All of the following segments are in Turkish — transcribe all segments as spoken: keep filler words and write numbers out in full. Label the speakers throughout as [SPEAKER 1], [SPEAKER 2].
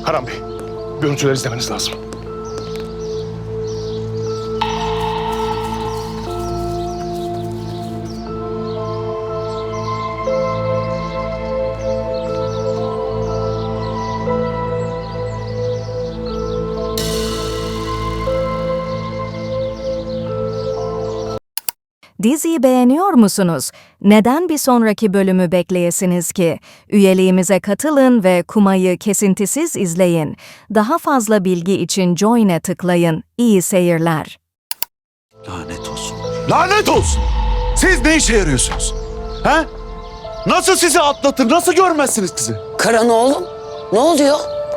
[SPEAKER 1] Karan Bey, görüntüleri izlemeniz lazım.
[SPEAKER 2] Diziyi beğeniyor musunuz? Neden bir sonraki bölümü bekleyesiniz ki? Üyeliğimize katılın ve Kuma'yı kesintisiz izleyin. Daha fazla bilgi için Join'e tıklayın. İyi seyirler.
[SPEAKER 3] Lanet olsun. Lanet olsun! Siz ne işe yarıyorsunuz? He? Nasıl sizi atlatır? Nasıl görmezsiniz sizi?
[SPEAKER 4] Karan oğlum, ne oluyor?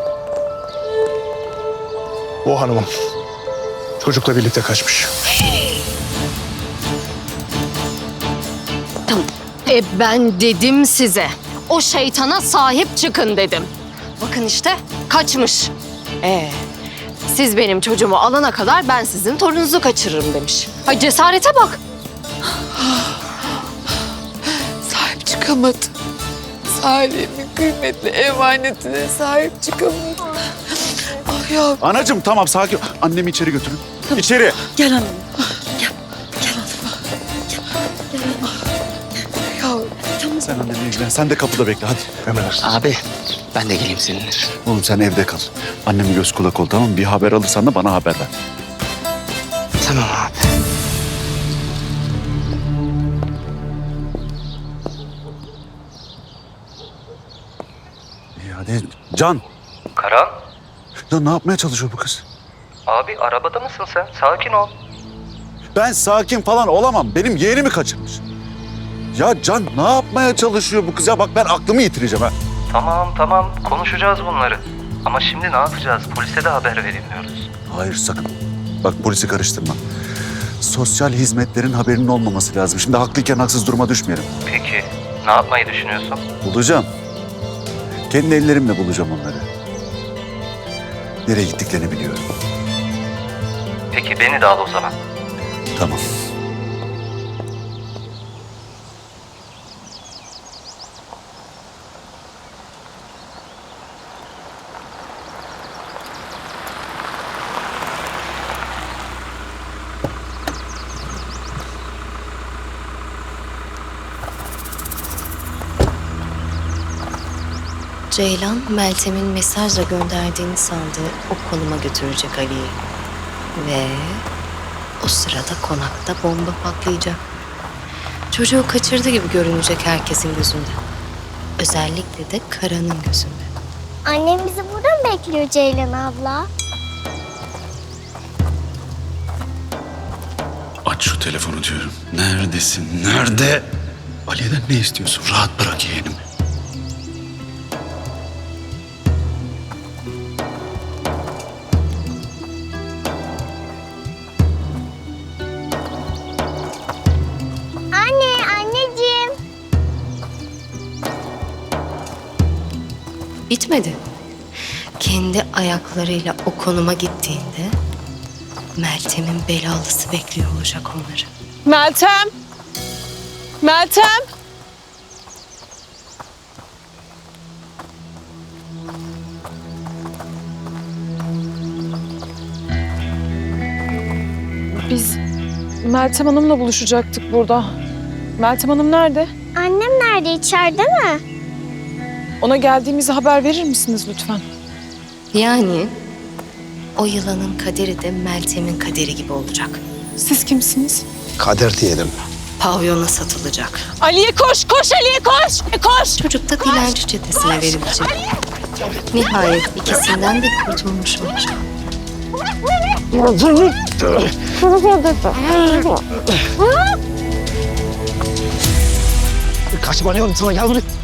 [SPEAKER 1] O hanımım çocukla birlikte kaçmış.
[SPEAKER 5] E ben dedim size. O şeytana sahip çıkın dedim. Bakın işte kaçmış. Ee, siz benim çocuğumu alana kadar ben sizin torununuzu kaçırırım demiş. Ay cesarete bak.
[SPEAKER 6] Sahip çıkamadı. Salim'in kıymetli emanetine sahip çıkamadı. Ah ya.
[SPEAKER 3] Anacığım tamam sakin ol. Annemi içeri götürün. İçeri.
[SPEAKER 6] Gel hanım. Gel. Gel hanım. Gel. Ya tamam.
[SPEAKER 3] Sen annenle ilgilen. Sen de kapıda bekle hadi.
[SPEAKER 1] Emredersiniz.
[SPEAKER 7] Abi ben de geleyim seninle.
[SPEAKER 3] Oğlum sen evde kal. Annemi göz kulak ol tamam mı? Bir haber alırsan da bana haber ver.
[SPEAKER 7] Tamam abi.
[SPEAKER 3] İyi hadi. Can.
[SPEAKER 8] Karan,
[SPEAKER 3] Ya ne yapmaya çalışıyor bu kız?
[SPEAKER 8] abi arabada mısın sen? Sakin ol.
[SPEAKER 3] Ben sakin falan olamam. Benim yeğenimi kaçırmış. Ya Can ne yapmaya çalışıyor bu kız? Ya bak ben aklımı yitireceğim ha.
[SPEAKER 8] Tamam tamam konuşacağız bunları. Ama şimdi ne yapacağız? Polise de haber verilmiyoruz.
[SPEAKER 3] Hayır sakın. Bak polisi karıştırma. Sosyal hizmetlerin haberinin olmaması lazım. Şimdi haklıyken haksız duruma düşmeyelim.
[SPEAKER 8] Peki ne yapmayı düşünüyorsun?
[SPEAKER 3] Bulacağım. Kendi ellerimle bulacağım onları. Nereye gittiklerini biliyorum.
[SPEAKER 8] Peki beni de al o zaman.
[SPEAKER 3] Tamam.
[SPEAKER 9] Ceylan, Meltem'in mesajla gönderdiğini sandığı o konuma götürecek Ali'yi. Ve o sırada konakta bomba patlayacak. Çocuğu kaçırdı gibi görünecek herkesin gözünde. Özellikle de Karan'ın gözünde.
[SPEAKER 10] Annem bizi burada mı bekliyor Ceylan abla?
[SPEAKER 3] Aç şu telefonu diyorum. Neredesin? Nerede? Ali'den ne istiyorsun? Rahat bırak yeğenimi.
[SPEAKER 10] Anne, anneciğim.
[SPEAKER 9] Bitmedi. Kendi ayaklarıyla o konuma gittiğinde Meltem'in belalısı bekliyor olacak onları.
[SPEAKER 6] Meltem. Meltem. Biz Meltem Hanım'la buluşacaktık burada. Meltem Hanım nerede?
[SPEAKER 10] Annem nerede? İçeride mi?
[SPEAKER 6] Ona geldiğimizi haber verir misiniz lütfen?
[SPEAKER 9] Yani o yılanın kaderi de Meltem'in kaderi gibi olacak.
[SPEAKER 6] Siz kimsiniz?
[SPEAKER 7] Kader diyelim.
[SPEAKER 9] Pavyona satılacak.
[SPEAKER 6] Ali'ye koş, koş Ali'ye koş, koş.
[SPEAKER 9] Çocuk da dilenci çetesine verilecek. Nihayet ikisinden de kurtulmuş olacak.
[SPEAKER 7] Kaçma ne oldu sana gel buraya.